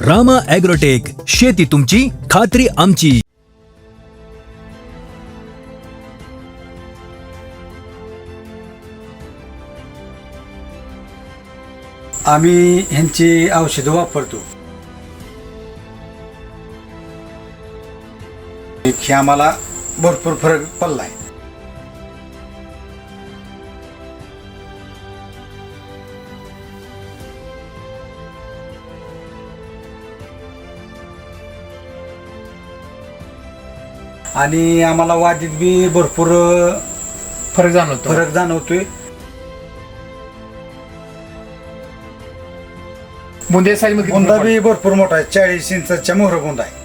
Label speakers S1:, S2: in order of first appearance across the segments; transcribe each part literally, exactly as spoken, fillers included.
S1: Rama agrotech, शेती तुमची खात्री आमची.
S2: आम्ही ह्यांची औषधं वापरतो. हे आम्हाला भरपूर फरक पडलाय. आणि आम्हाला वादीत बी भरपूर
S3: फरक जाणवतो.
S2: फरक जाणवतोय.
S3: बुंदे साईज मध्ये
S2: बुंदा बी भरपूर मोठा आहे. चाळीस इंचाच्या मोहर बुंदा आहे.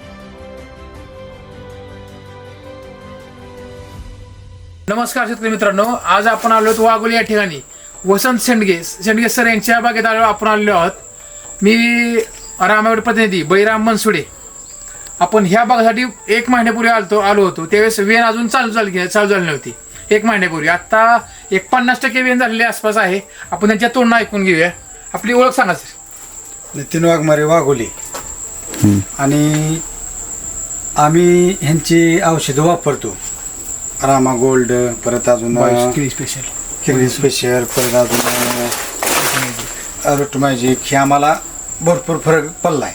S3: नमस्कार शेतकरी मित्रांनो, आज आपण आलो आहोत वाघोली या ठिकाणी. वसंत शेंडगे शेंडगे सर यांच्या बागेत आलो आपण आलेलो आहोत. मी रामागड प्रतिनिधी बैराम मनसुडे. आपण ह्या बागेसाठी एक महिन्यापूर्वी आलतो आलो होतो. त्यावेळेस वेन अजून चालू झाली चालू झाली नव्हती एक महिन्यापूर्वी. आता एक पन्नास टक्के वेन झालेली आसपास आहे. आपण त्यांच्या तोंडनं ऐकून घेऊया. आपली ओळख सांगा सर.
S2: नितीन वाघमारे, वाघोली. आणि आम्ही ह्यांची औषधं वापरतो. रामा गोल्ड, परत अजून
S3: स्पेशल
S2: किरणी स्पेशल, परत अजून रूट मॅजिक. हे आम्हाला भरपूर फरक पडलाय.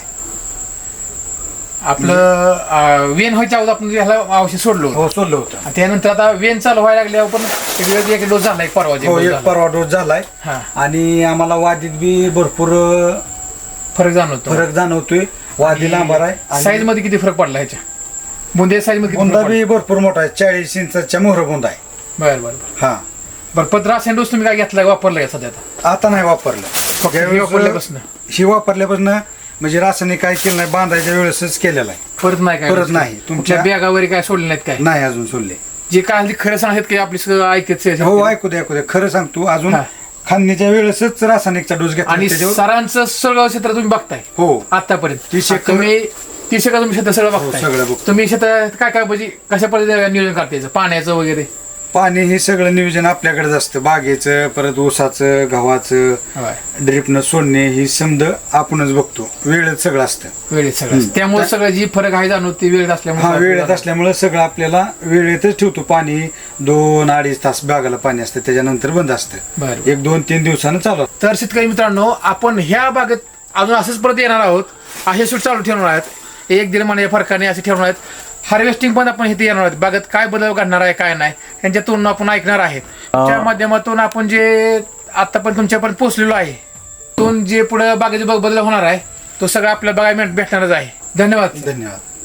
S3: आपलं वेन व्हायच्या अगोदर आपण ह्याला औषध सोडलो
S2: हो सोडलं होतं.
S3: आणि त्यानंतर आता वेन चालू व्हायला लागल्यावर पण एक वेळ एक डोस झाला एक परवा
S2: हो, एक परवा डोस झालाय.
S3: हा.
S2: आणि आम्हाला वादीत बी भरपूर
S3: फरक जाणवतो.
S2: फरक जाणवतोय. वादी लांबार आहे.
S3: साईज मध्ये किती फरक पडला ह्याच्या? बुंदे साईज मध्ये
S2: बुंदा बी भरपूर मोठा आहे. चाळीस इंचाच्या मोहर बुंदा आहे.
S3: बरं बरं
S2: हा.
S3: बरं पण रासायन डोस तुम्ही काय घेतलाय वापरलाय का सध्या? आता
S2: आता नाही वापरलं.
S3: फक्त हे वापरल्यापासून
S2: ही वापरल्यापासून म्हणजे रासायनिक काय केलं नाही. बांधायच्या वेळेसच केलेलं आहे.
S3: परत नाही काय
S2: परत नाही.
S3: तुमच्या बॅगा वगैरे काय सोडले नाहीत काय?
S2: नाही अजून सोडले.
S3: जे काय खरं सांगत की आपली सगळं ऐकत
S2: हो ऐकू दे ऐकू दे. खरं सांगतो अजून
S3: हा.
S2: खांदणीच्या वेळेसच रासायनिकचा डोस घेतला.
S3: आणि
S2: त्याच्यावर-
S3: सरांचं सगळं क्षेत्र तुम्ही बघताय
S2: हो
S3: आतापर्यंत.
S2: तीस एकर-
S3: तुम्ही तीस एकर तुम्ही क्षेत्र सगळं बघताय.
S2: सगळं बघतो.
S3: तुम्ही क्षेत्र काय काय म्हणजे कशा पद्धतीने नियोजन करतायचं पाण्याचं वगैरे?
S2: पाणी हे सगळं नियोजन आपल्याकडेच असतं. बागेचं, परत ऊसाचं, गव्हाचं,
S3: होय.
S2: ड्रिपनं सोडणे ही समज आपणच बघतो. वेळेत सगळं असतं.
S3: वेळेत सगळं त्यामुळे सगळं जी फरक आहे जाणवते वेळेत
S2: हा
S3: असल्यामुळे.
S2: वेळेत असल्यामुळे सगळं आपल्याला वेळेतच ठेवतो. पाणी दोन अडीच तास बागाला पाणी असतं. त्याच्यानंतर बंद असतं.
S3: बरं.
S2: एक दोन तीन दिवसानं चालू असतं.
S3: तर शेतकरी मित्रांनो, आपण ह्या बागेत अजून असंच परत येणार आहोत. असे शूट चालू ठेवणार आहेत. एक दीड महिन्याच्या फरकाने असे ठेवणार आहेत. हार्वेस्टिंग पण आपण इथे येणार आहोत. बागेत काय बदल घडणार आहे काय नाही यांच्यातून आपण ऐकणार आहेत. त्या माध्यमातून आपण जे आता पण तुमच्यापर्यंत पोहोचलेलो आहे तून जे पुढे बागेचे बदल होणार आहे तो सगळं आपल्या बघायला भेटणारच आहे. धन्यवाद.
S2: धन्यवाद.